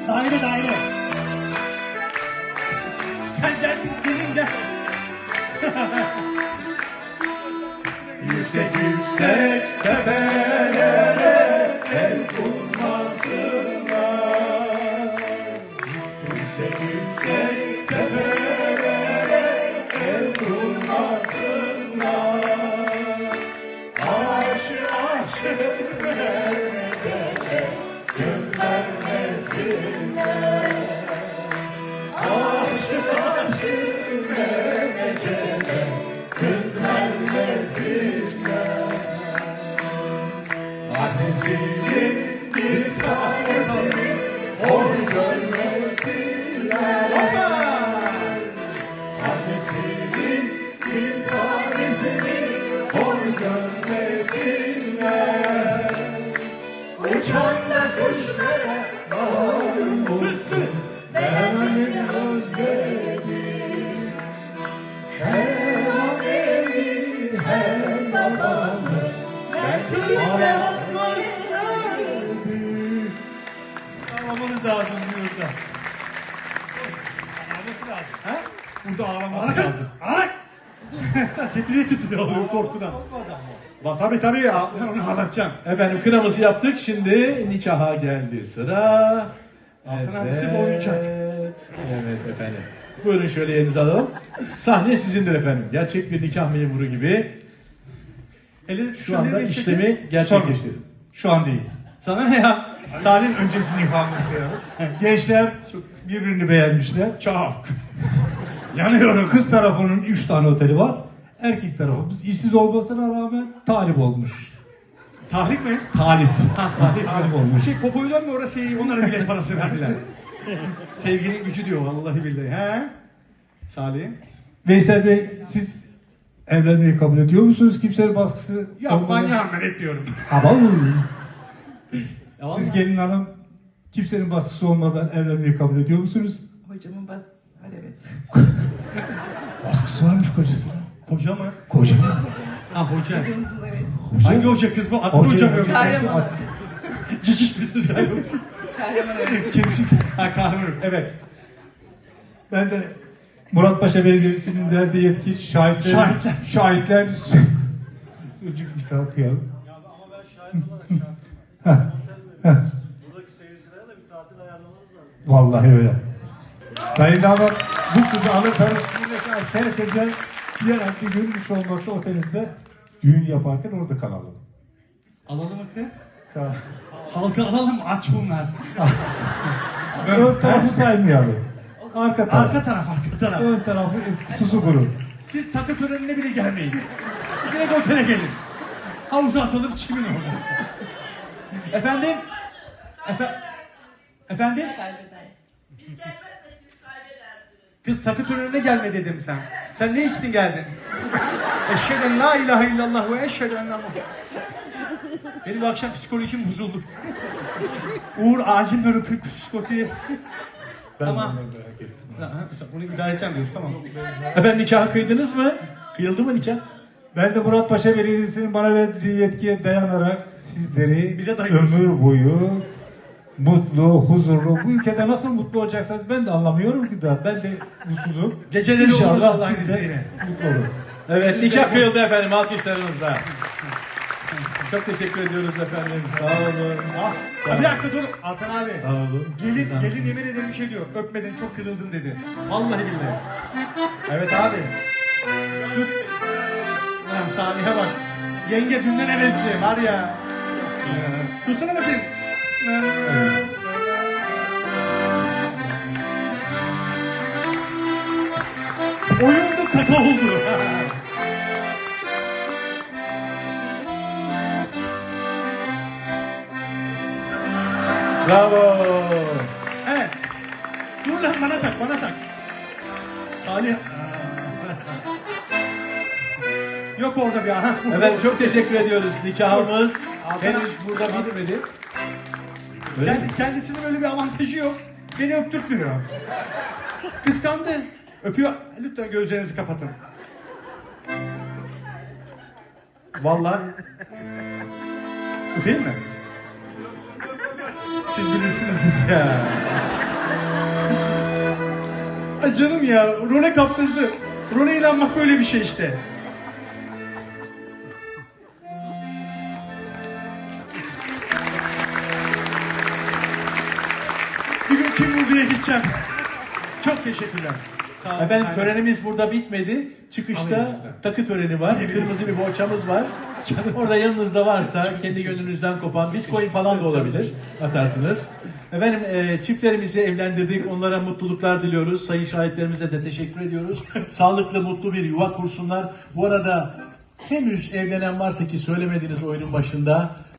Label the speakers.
Speaker 1: Daire daire. Sen gel biz gelin gel. Yüksek yüksek tepelere el kurmasınlar. Yüksek yüksek tepelere el kurmasınlar. Aşı aşı vermecele göz vermesinler. Aşı aşı vermecele göz vermesinler. Annesinin bir tanesini hor görmesinler. Annesinin bir tanesini hor görmesinler. Uçan da kuşlara malum olsun. Ben özledim. Hem annemi hem babamı ben yalnız verdim. Ağlamanız lazım burada. Ağlaması lazım. He? Burada ağlaması lazım. Ağlak! Titriye titriyor korkudan. Tabii ya. Onu ağlatacağım.
Speaker 2: Efendim kınamızı yaptık. Şimdi nikaha geldi sıra.
Speaker 1: Altın abisi bu oyuncak.
Speaker 2: Evet efendim. Buyurun şöyle yerinizi alalım. Sahne sizindir efendim. Gerçek bir nikah memuru gibi. Şu anda işlemi gerçekleştirin.
Speaker 1: Şu an değil. Sana ne ya? Salih'in önceki nikahımızda ya. Gençler çok birbirini beğenmişler. Çok. Yanıyorum. Kız tarafının 3 tane oteli var. Erkek tarafımız işsiz olmasına rağmen talip olmuş. Tahrip mi? Talip. Ha, talip olmuş. Popoy'dan mı orası onlara bilet parası verdiler. Sevginin gücü diyor vallahi billahi. He? Salih.
Speaker 3: Veysel Bey, siz evlenmeyi kabul ediyor musunuz? Kimsenin baskısı
Speaker 1: Yok ben yardım etmiyorum.
Speaker 3: Ama
Speaker 1: Siz
Speaker 3: siz gelin hanım kimsenin baskısı olmadan evlenmeyi kabul ediyor musunuz?
Speaker 4: Hocamın baskısı var, evet.
Speaker 3: Baskısı varmış kocasının.
Speaker 1: Hoca mı?
Speaker 3: Koca.
Speaker 1: Ha hoca.
Speaker 4: Hocamızın, evet.
Speaker 1: Hangi hoca kız bu? Adını hoca mı?
Speaker 4: Kahraman Hoca.
Speaker 1: Ciciş misin sen?
Speaker 4: Kahraman Hoca.
Speaker 1: Kedişik. Ha kahramanım. Evet.
Speaker 3: Ben de Muratpaşa Belediyesi'nin verdiği yetki şahitler. Öcük bir kalkıyalım.
Speaker 5: Ya ama ben şahit olarak şartım. Buradaki seyircilere de bir tatil ayarlamanız lazım.
Speaker 3: Vallahi öyle. Sayın damat, bu kızı alırsanız buradaki herkese bir gün hiç olmazsa otelinizde düğün yaparken orada kalalım.
Speaker 1: Alalım mı kız?
Speaker 3: Ha.
Speaker 1: Halka alalım aç bunlar.
Speaker 3: Ön tarafı saymayalım. Arka taraf.
Speaker 1: Arka taraf.
Speaker 3: Ön tarafı kutusu kuru.
Speaker 1: Siz takı törenine bile gelmeyin. Direkt otele gelin. Havuza atalım çimin orada. Efendim? Efendim? Kız takı törenine gelme dedim sen. Sen ne içtin geldin? Eşheden la ilahe illallah ve eşheden la. Benim bu akşam psikolojim bozuldu. Uğur acil öpüp psikoloji. Tamam. Bunu idare edeceğim diyorsun tamam.
Speaker 2: Efendim nikahı kıydınız mı? Kıyıldı mı nikah?
Speaker 3: Ben de Muratpaşa Belediyesi'nin bana verdiği yetkiye dayanarak sizleri
Speaker 1: Bize dayıyorsun.
Speaker 3: ömür boyu mutlu, huzurlu, bu ülkede nasıl mutlu olacaksınız ben de anlamıyorum ki daha. Ben de mutsuzum.
Speaker 1: Geceleri oluruz
Speaker 3: İnşallah
Speaker 1: Allah'ın
Speaker 3: siz de
Speaker 1: izniyle.
Speaker 3: mutlu olun.
Speaker 2: Evet nikah kıyıldı efendim alkışlarınızla. Çok teşekkür ediyoruz efendim. Sağ olun.
Speaker 1: Bir dakika dur Altan abi.
Speaker 2: Sağ olun.
Speaker 1: Gelin yemin ederim bir şey diyor. Öpmedin çok kırıldın dedi. Vallahi billahi. Evet abi. Dur. Lan Salih'e bak. Yenge dünden hevesli var ya. Dursana bakayım. Oyunda kaka oldu.
Speaker 2: Bravo.
Speaker 1: Evet. Dur lan bana tak. Salih. Yok orada bir aha.
Speaker 2: Efendim çok teşekkür ediyoruz. Nikahımız
Speaker 1: Altan
Speaker 2: henüz
Speaker 1: abi.
Speaker 2: burada bitmedi. Öyle mi?
Speaker 1: Kendisinin öyle bir avantajı yok. Beni öptürtmüyor. Kıskandı. Öpüyor. Lütfen gözlerinizi kapatın. Vallahi. Öpeyim mi? Siz bilirsiniz.
Speaker 2: Ya. Ay canım ya, role kaptırdı. Role inanmak böyle bir şey işte. Bir gün kim vurduya gideceğim. Çok teşekkürler.
Speaker 1: Sağ olun.
Speaker 2: Efendim
Speaker 1: Aynen.
Speaker 2: törenimiz burada bitmedi. Çıkışta
Speaker 1: Alayım.
Speaker 2: takı töreni var. Kırmızı bir bohçamız var. Orada yanınızda varsa kendi gönlünüzden kopan Bitcoin falan da olabilir. Atarsınız. Efendim çiftlerimizi evlendirdik. Onlara mutluluklar diliyoruz. Sayın şahitlerimize de teşekkür ediyoruz. Sağlıklı, mutlu bir yuva kursunlar. Bu arada henüz evlenen varsa ki söylemediniz oyunun başında.